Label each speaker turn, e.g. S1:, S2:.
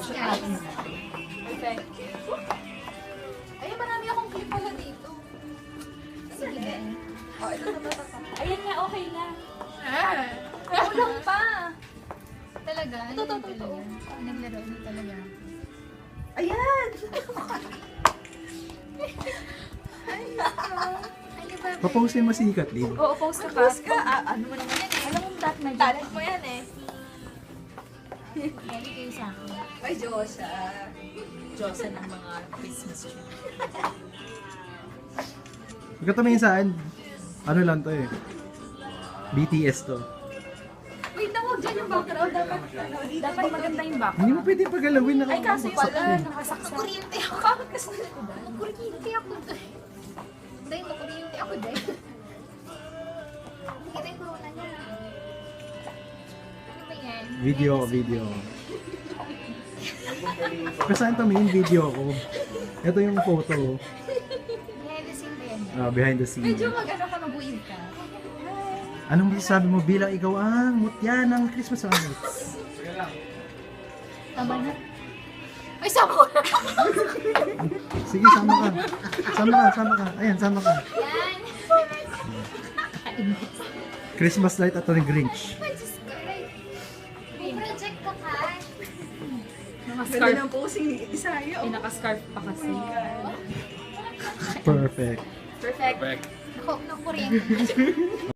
S1: Yes, guys.
S2: Perfect.
S1: Ay, marami akong clip pala dito. Sige. Oh, ito na ba?
S2: Ayan nga, okay na.
S1: Kulang pa.
S3: Talaga? Ano
S1: Totoo,
S3: yun
S1: totoo.
S3: talaga? Naglaro na talaga.
S1: Ayan!
S3: Ano ba?
S4: Paposin mo si Kathleen.
S2: Oo, post ka pa.
S1: Tapos ka, ano mo naman yan eh.
S2: Alam mo, dat na dyan.
S1: Talent mo yan eh.
S3: Lagi kayo sa akin.
S1: Ay, Diyosa.
S2: Diyosa ng mga Christmas tree.
S4: Pagkatumingin saan, ano lang to eh. BTS to.
S1: Wait, nawag dyan yung background. Dapat,
S2: Dapat maganda yung back.
S4: Hindi mo pwede pagalawin na
S2: Ay, kaso
S4: baksak
S2: pala,
S4: yun.
S2: nakasaksak.
S1: Kuryente ako. Bakit kasi nalikudan?
S3: Kuryente ako doon. Dahil makuryente ako dahil. Kita yung corona niya. Ano ba yan?
S4: Video. Kung saan tumingin video ko. Ito yung photo.
S3: Behind the scene ba yan?
S4: Behind the scene.
S1: Medyo mag-ano ka, mabuiw ka.
S4: Anong masasabi mo bilang ikaw ang mutya ng Christmas ornaments?
S3: Tama na. Ay, sama ko na.
S4: Sige, sama ka. Sama ka. Ayan, sama ka.
S3: Yan.
S4: Christmas light at ang Grinch.
S3: Ay, Diyos ko. May project ka ka.
S1: Ganda
S2: Naka-scarf.
S1: ng posing ni Isaya.
S2: Ay, naka-scarf pa kasi.
S4: Perfect.
S2: Perfect.
S4: Perfect.
S3: Naku, nakuryente.